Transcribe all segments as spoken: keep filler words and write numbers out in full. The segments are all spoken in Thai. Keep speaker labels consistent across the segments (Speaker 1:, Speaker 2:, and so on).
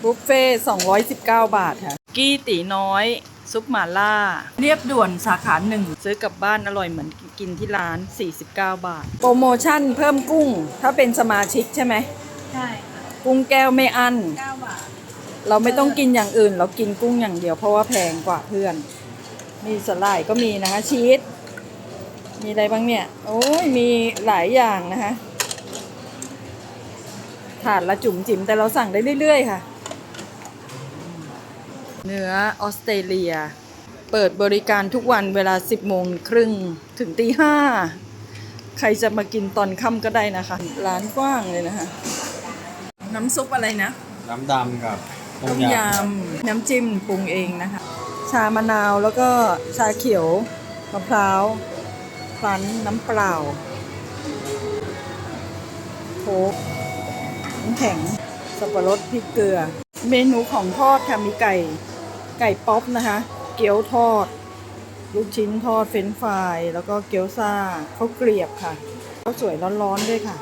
Speaker 1: บุฟเฟ่สองร้อยสิบเก้าบาทค่ะกี้ตีน้อยซุปหม่าล่าเรียบด่วนสาขาหนึ่งซื้อกลับบ้านอร่อยเหมือนกินที่ร้านสี่สิบเก้าบาทโปรโมชั่นเพิ่มกุ้งถ้าเป็นสมาชิกใช่ไหม
Speaker 2: ใช่ค่ะ
Speaker 1: กุ้งแก้วไม่อั้น
Speaker 2: เก้าบาท
Speaker 1: เราไม่ต้องกินอย่างอื่นเรากินกุ้งอย่างเดียวเพราะว่าแพงกว่าเพื่อนมีสไลด์ก็มีนะคะชีสมีอะไรบ้างเนี่ยโอ้ยมีหลายอย่างนะคะถาดละจุ๋มจิ๋มแต่เราสั่งได้เรื่อยๆค่ะเนื้อออสเตรเลียเปิดบริการทุกวันเวลาสิบโมงครึ่งถึงตีห้าใครจะมากินตอนค่ำก็ได้นะคะร้านกว้างเลยนะคะน้ำซุปอะไรนะ
Speaker 3: น้ำดำกับ
Speaker 1: ต้มยำน้ำจิ้มปรุงเองนะคะชามะนาวแล้วก็ชาเขียวมะพร้าวพลั้นน้ำเปล่าโค้กน้ำแข็งสับปะรดพริกเกลือเมนูของทอดค่ะมีไก่ไก่ป๊อปนะคะเกี๊ยวทอดลูกชิ้นทอดเฟรนช์ฟรายแล้วก็เกี๊ยวซ่าข้าวเกลียบค่ะข้าวสวยร้อนๆด้วยค่ะ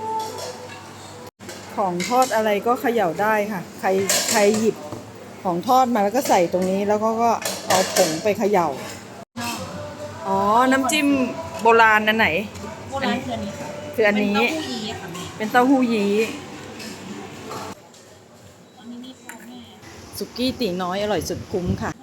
Speaker 1: ของทอดอะไรก็เขย่าได้ค่ะใครใครหยิบของทอดมาแล้วก็ใส่ตรงนี้แล้วก็ก็เอาผงไปเขย่าอ๋อน้ำจิ้มโบราณอันไหน
Speaker 2: โบราณคืออันนี้ค่ะ
Speaker 1: คืออันนี้
Speaker 2: เป็นเต้าหู้ยี้ค่ะแม่
Speaker 1: เป็นเต้าหู้ยี้
Speaker 2: อันนี้มีโฟแม่
Speaker 1: สุกี้ตีน้อยอร่อยสุดคุ้มค่ะ